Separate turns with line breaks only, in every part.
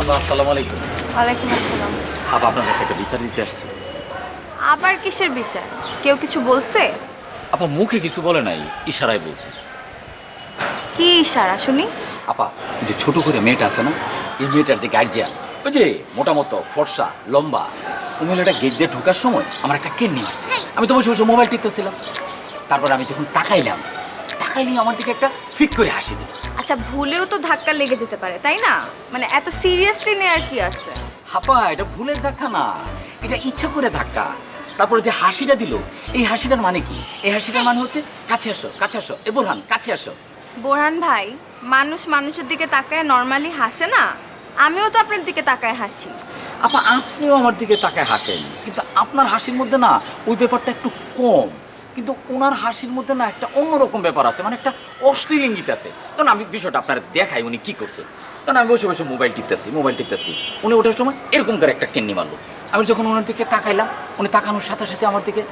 আপা আসসালামু আলাইকুম।
ওয়ালাইকুম আসসালাম।
আপা আপনার কাছে একটা বিচার দিতে আসছি।
আবার কিসের বিচার? কেউ কিছু বলছে?
আপা মুখে কিছু বলে নাই, ইশারায় বলছে।
কি ইশারা শুনি?
আপা ওই যে ছোট করে মেয়েটা আছে না, এই মেয়েটার যে গার্জিয়ান, ওই যে মোটামতো ফর্সা লম্বা, ওই মহিলাটা গেট দিয়ে ঢোকার সময় আমার একটা কেন্নি মারছে। আমি তো বসে বসে মোবাইল টিপতেছিলাম। তারপর আমি যখন তাকাইলি আমার দিকে একটা ফিক করে হাসি দিল।
আচ্ছা, ভুলেও তো ধাক্কা লেগে যেতে পারে, তাই না? মানে এত সিরিয়াসলি নেওয়ার কি আছে?
হাপা এটা ভুলের ধাক্কা না, এটা ইচ্ছা করে ধাক্কা। তারপরে যে হাসিটা দিল, এই হাসিটার মানে কি? এই হাসিটার মানে হচ্ছে কাছে আসো কাছে আসো, এ বোরহান কাছে আসো।
বোরহান ভাই, মানুষ মানুষের দিকে তাকায় নর্মালি হাসে না? আমিও তো আপনার দিকে তাকায় হাসি।
আপা আপনিও আমার দিকে তাকায় হাসেন, কিন্তু আপনার হাসির মধ্যে না ওই ব্যাপারটা একটু কম। কিন্তু ওনার হাসির মধ্যে না একটা অন্যরকম ব্যাপার আছে, মানে একটা অশ্লীল ইঙ্গিত আছে। তখন আমি বিষয়টা আপনার দেখাই উনি কি করছে। তখন আমি বসে বসে মোবাইল টিপতেছি, উনি ওঠার সময় এরকম করে একটা কেন্নি মারলো। আমি যখন ওনার দিকে তাকাইলাম, উনি তাকানোর সাথে সাথে আমার দিকে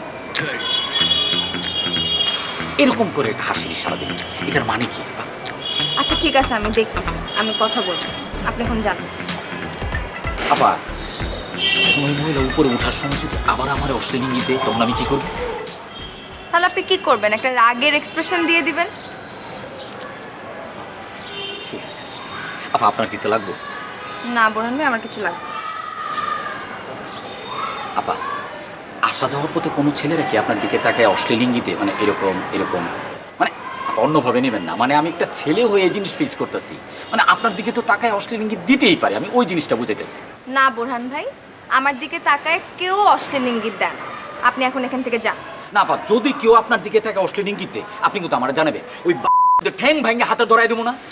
এরকম করে একটা হাসির ইশারা দিল। এটার মানে কি?
আচ্ছা ঠিক আছে, আমি দেখতেছি, আমি কথা বলবো, আপনি এখন যান।
আপা ওই মহিলা উপরে ওঠার সময় যদি আবার আমার অশ্লীল ইঙ্গিত দেয়, তখন আমি কি করবো?
তাহলে আপনি কি করবেন? একটা রাগের এক্সপ্রেশন দিয়ে দিবেন।
ঠিক আছে আপা, আপনার কিছু লাগবে?
না বোরহান ভাই, আমার কিছু লাগবে না।
আপা আসা যাওয়ার পথে কোনো ছেলেরা কি আপনার দিকে তাকায় অশ্লীল ইঙ্গিতে, মানে এরকম মানে আপা অন্যভাবে নেবেন না, মানে আমি একটা ছেলে হয়ে এই জিনিস ফেস করতেছি, মানে আপনার দিকে তো তাকায় অশ্লীল ইঙ্গিত দিতেই পারে, আমি ওই জিনিসটা বুঝাইতেছি।
না বোরহান ভাই, আমার দিকে তাকায় কেউ অশ্লীল ইঙ্গিত দেন। আপনি এখন এখান থেকে যান।
না আপা, যদি কেউ আপনার দিকে তাকায় অশ্লীল ইঙ্গিত দেয়, আপনি কিন্তু আমার জানাবে, ওই ঠ্যাং ভাঙে হাতে ধরাই দেবো না।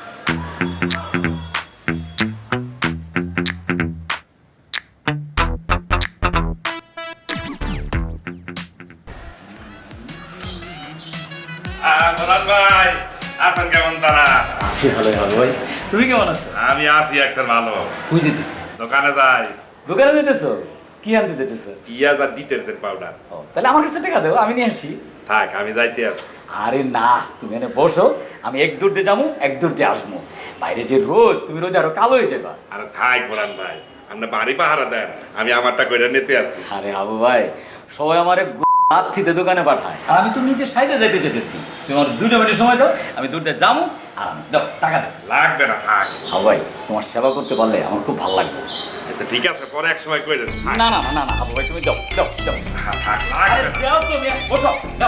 বলান ভাই, আছেন কেমন তারা?
আছি ভালো ভাই, তুমি কেমন আছো?
আমি আছি একসাথে ভালো।
কই যেতেছো?
দোকানে যাই।
দোকানে যেতেছো? কি আনতে যেতেছো?
পিঁয়াজ আর ডিটারজেন্ট পাউডার।
তাহলে আমার কাছে টাকা দেবো, আমি নিয়ে আসি।
থাক, আমি যাইতে আছি।
আরে না, তুমি এনে বসো, আমি এক দূর দিয়ে যাবো এক দূর দিয়ে আসবো। বাইরে যে রোদ, তুমি রোদে আরো কালো হয়ে যাবা।
আরে থাক বলান ভাই, আপনি বাড়ি পাহারা দেন, আমি আমারটা কইরা নিতে আছি।
আরে আবু ভাই, সবাই আমার রাত্রিতে দোকানে পাঠায়, আর আমি তো নিজে সাইডে যাইতে যেতেছি। তুমি আমার 2 মিনিট সময় দাও, আমি দূর দিয়ে যাবো। আর দাও টাকা দাও।
লাগবে না, থাক।
আবু ভাই, তোমার সেবা করতে পারলে আমার খুব ভালো লাগবে।
আচ্ছা ঠিক আছে, পরে এক সময় কইরেন।
না না না না না আবু ভাই, তুমি দাও দাও দাও।
থাক,
আরে
লাগবে না।
দাও তুমি, বসো দাও।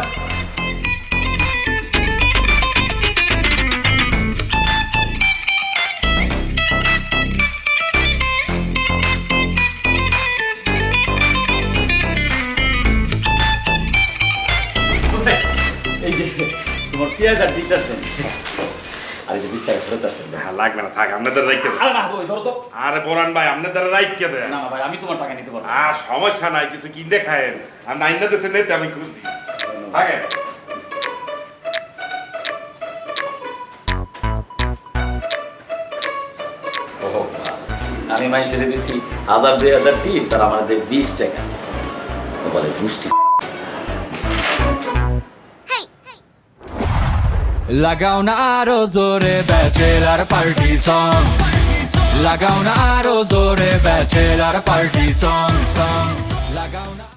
এই যে তোমার পেঁয়াজ আর ডিটারজেন্ট, আর এই যে 20 টাকা ফেরত আসছে।
হ্যাঁ, লাগবে না, থাক, আপনাদের রাইখে দেন।
আরে না ভাই, ধরো তো।
আরে বলান ভাই, আপনাদের রাইখে দেন।
না না ভাই, আমি তোমার টাকা নিতে পারবো।
আর সমস্যা নাই, কিছু কিনতে খায়েন। আর নাইনা দেশে নিতে আমি খুশি। থাকেন।
ওহো, আমি মাইসে দিছি 1000-2000 টিপস, আর আমার দেয় 20 টাকা। ও বলে দুষ্টি।
লাগাও না আরো জোরে ব্যাচেলার পার্টি সং, লাগাও না আরো জোরে ব্যাচেলার পার্টি সং, লাগাও না।